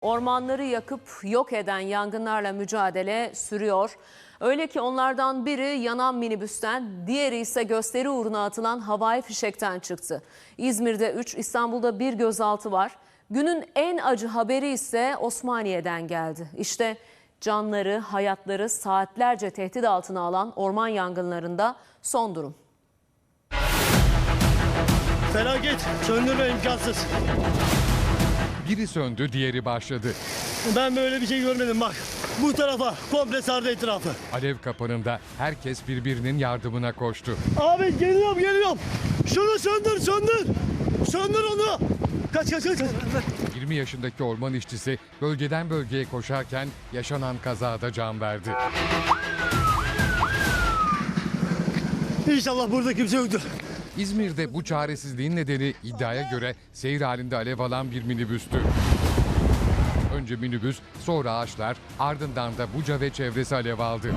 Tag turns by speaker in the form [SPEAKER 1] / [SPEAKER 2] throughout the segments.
[SPEAKER 1] Ormanları yakıp yok eden yangınlarla mücadele sürüyor. Öyle ki onlardan biri yanan minibüsten, diğeri ise gösteri uğruna atılan havai fişekten çıktı. İzmir'de 3, İstanbul'da 1 gözaltı var. Günün en acı haberi ise Osmaniye'den geldi. İşte canları, hayatları saatlerce tehdit altına alan orman yangınlarında son durum.
[SPEAKER 2] Felaket, söndürme imkansız.
[SPEAKER 3] Biri söndü, diğeri başladı.
[SPEAKER 2] Ben böyle bir şey görmedim bak. Bu tarafa komple sardı etrafı.
[SPEAKER 3] Alev kapanında herkes birbirinin yardımına koştu.
[SPEAKER 2] Abi geliyorum. Şunu söndür. Söndür onu. Kaç.
[SPEAKER 3] 20 yaşındaki orman işçisi bölgeden bölgeye koşarken yaşanan kazada can verdi.
[SPEAKER 2] İnşallah burada kimse yoktur.
[SPEAKER 3] İzmir'de bu çaresizliğin nedeni iddiaya göre seyir halinde alev alan bir minibüstü. Önce minibüs, sonra ağaçlar, ardından da Buca ve çevresi alev aldı.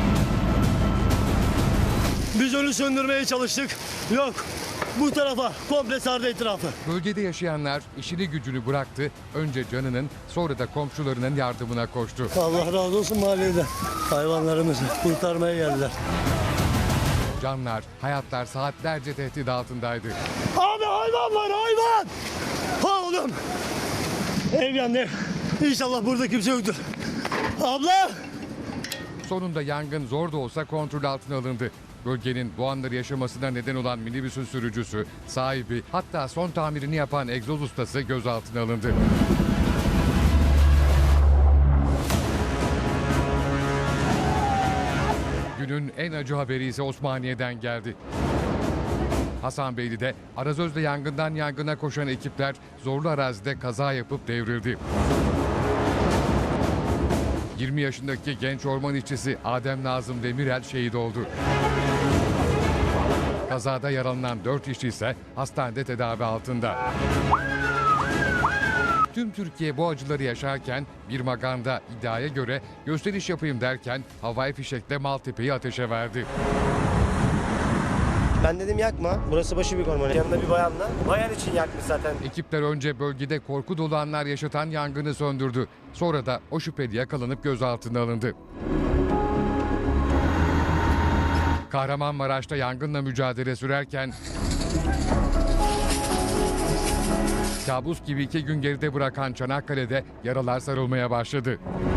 [SPEAKER 2] Biz onu söndürmeye çalıştık. Yok. Bu tarafa komple sardı etrafı.
[SPEAKER 3] Bölgede yaşayanlar işini gücünü bıraktı. Önce canının, sonra da komşularının yardımına koştu.
[SPEAKER 2] Allah razı olsun mahalleden. Hayvanlarımızı kurtarmaya geldiler.
[SPEAKER 3] Canlar, hayatlar saatlerce tehdit altındaydı.
[SPEAKER 2] Abi hayvan var hayvan. Oğlum. Ev yandı. İnşallah burada kimse yoktur. Abla.
[SPEAKER 3] Sonunda yangın zor da olsa kontrol altına alındı. Bölgenin bu anları yaşamasına neden olan minibüsün sürücüsü, sahibi, hatta son tamirini yapan egzoz ustası gözaltına alındı. Günün en acı haberi ise Osmaniye'den geldi. Hasanbeyli'de Arazöz'de yangından yangına koşan ekipler zorlu arazide kaza yapıp devrildi. 20 yaşındaki genç orman işçisi Adem Nazım Demirel şehit oldu. Kazada yaralanan 4 işçi ise hastanede tedavi altında. Tüm Türkiye bu acıları yaşarken bir maganda iddiaya göre gösteriş yapayım derken havai fişekle Maltepe'yi ateşe verdi.
[SPEAKER 4] Ben dedim yakma. Burası başı bir orman. Yanında bir bayanla. Bayan için yakmış zaten.
[SPEAKER 3] Ekipler önce bölgede korku dolu anlar yaşatan yangını söndürdü. Sonra da o şüpheli yakalanıp gözaltına alındı. Kahramanmaraş'ta yangınla mücadele sürerken kabus gibi 2 gün geride bırakan Çanakkale'de yaralar sarılmaya başladı.